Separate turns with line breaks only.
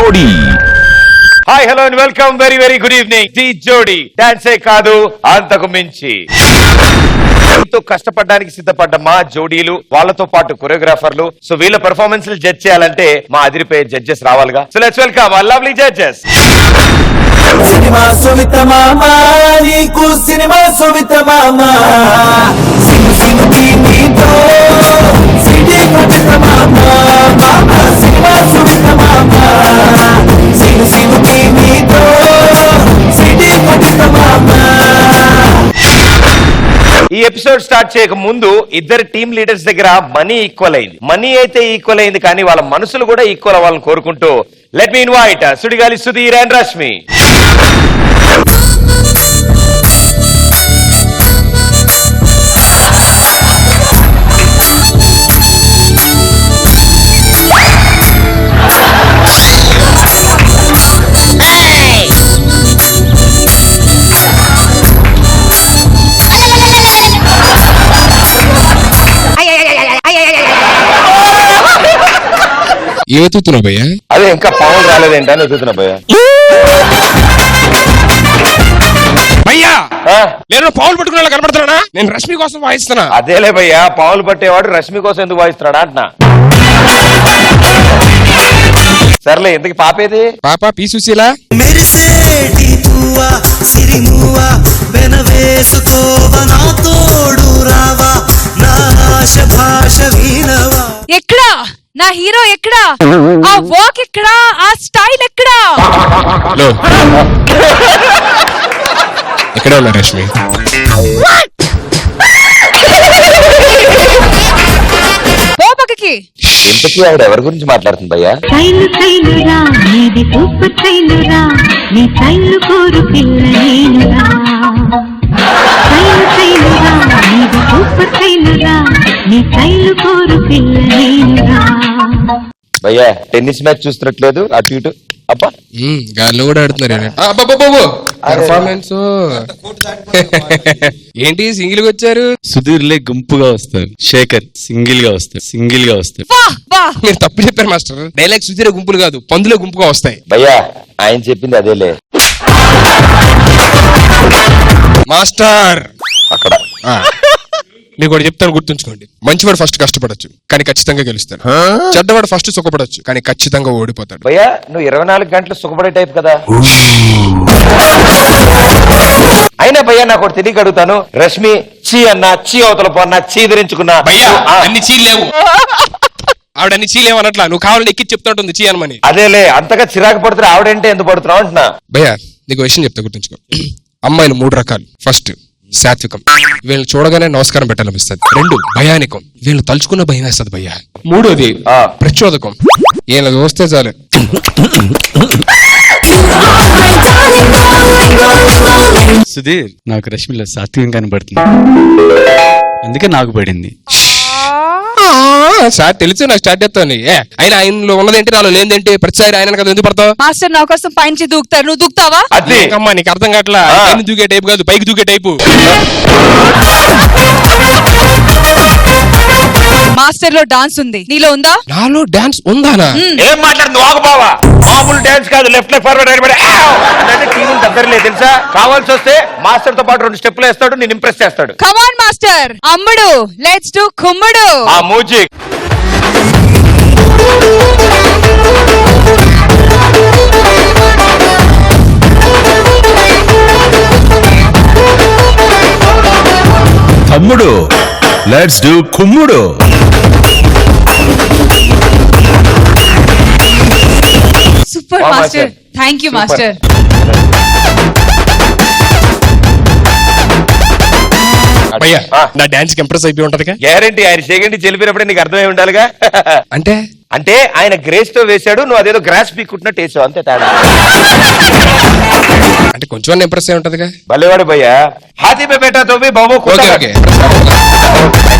జోడీ.
Hi hello and welcome, very very good evening. The జోడీ డాన్సే కాదు అంతకు మించి. ఎంతో కష్టపడడానికి సిద్ధపడ్డ మా జోడీలు, వాళ్ళతో పాటు కొరియోగ్రాఫర్లు. సో వీళ్ళ పెర్ఫార్మెన్స్ జడ్జ్ చేయాలంటే మా అదిరిపోయే జడ్జెస్ రావాలిగా. So let's welcome our lovely judges.
సినిమా సుమిత మామా, నీకు సినిమా సుమిత మామా, సిను సిను నీతో సిటీ కొట్టిన మామా, మామా సినిమా సుమిత మామా, సిను సిను నీతో సిటీ కొట్టిన మామా.
ఈ ఎపిసోడ్ స్టార్ట్ చేయక ముందు ఇద్దరు టీమ్ లీడర్స్ దగ్గర మనీ ఈక్వల్ అయింది. మనీ అయితే ఈక్వల్ అయింది, కానీ వాళ్ళ మనసులు కూడా ఈక్వల్ అవ్వాలని కోరుకుంటూ let me invite Sudigaali Sudheer and Rashmi.
ఏతుతున్నావు భయ్యా?
అదే ఇంకా పవన్ రాలేదేంటని ఎత్తుతున్నా భయ్యా.
భయ్యా నేను పావులు పట్టుకునే కనబడుతున్నా. నేను రష్మి కోసం వాయిస్తున్నా.
అదేలే భయ్యా, పావులు పట్టేవాడు రష్మి కోసం ఎందుకు వాయిస్తున్నాడా అంటున్నా. సర్లే, ఎందుకు పాపేది?
పాప పీ సుశీల.
మెరిసేటి పువ్వా సిరిమువా వెనవేసుకోవా నా తోడు రావా, నా ఆశ భాష వీణవా.
ఎక్కడా నా హీరో? ఎక్కడా ఆ వాక్? ఎక్కడా ఆ స్టైల్? ఎక్కడా?
ఎక్కడ ఉన్నా రష్మి?
పోపకి
ఇంతకీ ఆవిడ ఎవరి గురించి మాట్లాడుతుంది భయ్యా?
సైలు సైలురా నీది సూపర్ సైలురా, నీ సైలు కోరు పిల్ల నేనురా. సైలు సైలురా నీది సూపర్ సైలురా, నీ సైలు కోరు పిల్ల నేనురా.
భయ్యా టెన్నిస్ మ్యాచ్ చూస్తున్నట్లేదు, అటు ఇటు. అబ్బా
గాల్లో కూడా ఆడుతున్నారు. పర్ఫార్మెన్స్ ఏంటి? సింగిల్ గా వచ్చారు.
సుధీర్లే గుంపుగా వస్తారు, శేఖర్ సింగిల్ గా వస్తారు.
మీరు తప్పు చెప్పారు మాస్టర్. డైలాగ్ సుధీర గుంపులు కాదు, పందులే గుంపుగా వస్తాయి.
భయ్యా ఆయన చెప్పింది అదేలే
మాస్టర్.
అక్కడ
మీకు ఒకటి చెప్తాను, గుర్తుంచుకోండి. మంచివాడు ఫస్ట్ కష్టపడొచ్చు, కానీ ఖచ్చితంగా గెలుస్తాడు. చెడ్డవాడు ఫస్ట్ సుఖపడొచ్చు, కానీ ఖచ్చితంగా ఓడిపోతాడు.
భయ్యా నువ్వు 24 గంటలు సుఖపడే టైప్ కదా. అయినా భయ్యా నాకు ఒకటి తెలియక అడుగుతాను, రష్మి చీ అన్నా, చీ అవతల పోన్నా, చీ ధరించుకున్నా.
భయ్యా అన్ని చీలేవు. ఆవిడ అన్ని చీలేవు అనట్లా, నువ్వు కావాలని ఎక్కి చెప్తా ఉంటుంది చీ అనమని.
అదేలే, అంతగా చిరాకు పడుతున్నా ఆవిడంటే ఎందుకు పడుతున్నావు అంటున్నా.
భయ్యా నీకు విషయం చెప్తా, గుర్తుంచుకో. అమ్మాయిలు 3 రకాలు. ఫస్ట్ సాత్వికం, వీళ్ళని చూడగానే నమస్కారం పెట్టాలనిపిస్తుంది. 2 భయానికం, వీళ్ళని తలుచుకున్న భయం వేస్తుంది భయ్యా. 3వది ప్రచోదకం, వీళ్ళని చూస్తే చాలు.
సుధీర్ నాకు రష్మిలో సాత్వికం కనబడుతుంది, అందుకే నాకు పడింది.
సార్ తెలుసు నాకు స్టార్ట్ చేస్తాను. ఆయన ఆయనలో ఉన్నదేంటి, నాలో లేదేంటి? ప్రతిసారి ఆయన కదా ఎందుకు పడతావు?
మాస్టర్ నా కోసం పైనుంచి దూకుతారు, నువ్వు దూకుతావా?
అమ్మా నీకు అర్థం కావట్లా. పైన దూకే టైపు కాదు, పైకి దూకే టైపు.
మాస్టర్ లో డాన్స్ ఉంది, నీలో ఉందా?
నాలో డాన్స్ ఉందానా?
ఏం మాట్లాడుతుంది ఆగబావా? మామూలు డాన్స్ కాదు, లెఫ్ట్ లెఫ్ట్ ఫార్వర్డ్ అంటే టీం దగ్గరలే తెలుసా. కావాల్సి వస్తే మాస్టర్ తో పాటు 2 స్టెప్లు వేస్తాడు, నేను ఇంప్రెస్ చేస్తాడు.
Come on master. అమ్ముడు లెట్స్ డు కుమ్ముడు.
ఆ మ్యూజిక్.
తమ్ముడు లెట్స్ డూ కుమ్ముడు.
Super master, thank you master.
భయ్యా నా డాన్స్ కి ఇంప్రెస్ అయిపోయి ఉంటదిగా.
గ్యారంటీ ఆయన సెకండ్ చెలిపినప్పుడే నీకు అర్థమై ఉండాలిగా.
అంటే
అంటే ఆయన గ్రేస్ తో వేశాడు, నువ్వు అదేదో గ్రాస్ పీక్కుంటున్నట్టు వేసావు, అంతే తేడా.
అంటే కొంచెం ఇంప్రెస్ అయి ఉంటదిగా.
భలేవాడు భయ్యా. హాతీ పే బేటా తో బాబు.
Okay okay.